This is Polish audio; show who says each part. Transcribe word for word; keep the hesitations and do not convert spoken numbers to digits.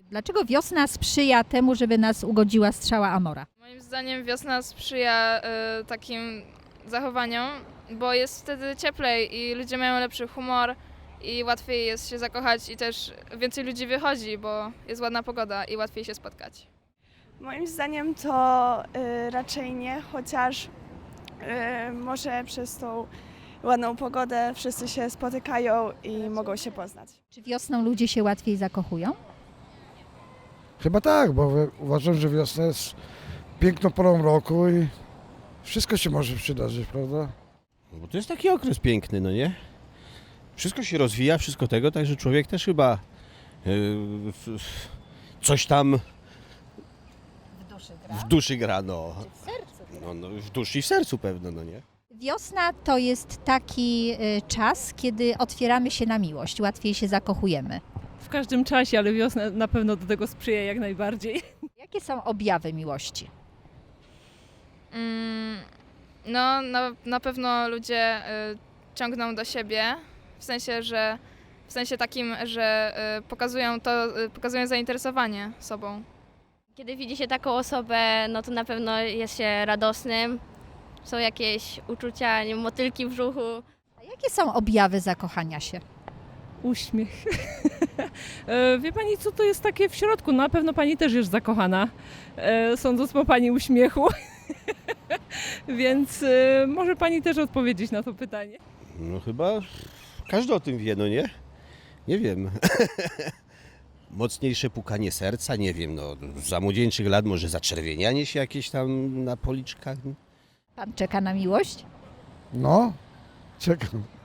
Speaker 1: Dlaczego wiosna sprzyja temu, żeby nas ugodziła strzała Amora?
Speaker 2: Moim zdaniem wiosna sprzyja y, takim zachowaniom, bo jest wtedy cieplej i ludzie mają lepszy humor i łatwiej jest się zakochać i też więcej ludzi wychodzi, bo jest ładna pogoda i łatwiej się spotkać.
Speaker 3: Moim zdaniem to y, raczej nie, chociaż y, może przez tą ładną pogodę wszyscy się spotykają i mogą się poznać.
Speaker 1: Czy wiosną ludzie się łatwiej zakochują?
Speaker 4: Chyba tak, bo uważam, że wiosna jest piękną porą roku i wszystko się może przydarzyć, prawda?
Speaker 5: No bo to jest taki okres piękny, no nie? Wszystko się rozwija, wszystko tego, także człowiek też chyba yy, coś tam
Speaker 1: W duszy gra.
Speaker 5: w duszy gra, no.
Speaker 1: W sercu.
Speaker 5: No, no. W duszy i w sercu pewno, no nie?
Speaker 1: Wiosna to jest taki y, czas, kiedy otwieramy się na miłość, łatwiej się zakochujemy.
Speaker 6: W każdym czasie, ale wiosna na pewno do tego sprzyja jak najbardziej.
Speaker 1: Jakie są objawy miłości?
Speaker 2: Mm, no na, na pewno ludzie y, ciągną do siebie, w sensie, że w sensie takim, że y, pokazują to, y, pokazują zainteresowanie sobą.
Speaker 7: Kiedy widzi się taką osobę, no to na pewno jest się radosnym. Są jakieś uczucia, nie wiem, motylki w brzuchu.
Speaker 1: A jakie są objawy zakochania się?
Speaker 6: Uśmiech. E, Wie pani, co to jest takie w środku? Na pewno pani też jest zakochana, e, sądząc po pani uśmiechu. Więc e, może pani też odpowiedzieć na to pytanie.
Speaker 5: No chyba każdy o tym wie, no nie? Nie wiem. Mocniejsze pukanie serca, nie wiem, no za młodzieńczych lat może zaczerwienianie się jakieś tam na policzkach.
Speaker 1: Pan czeka na miłość?
Speaker 4: No, czekam.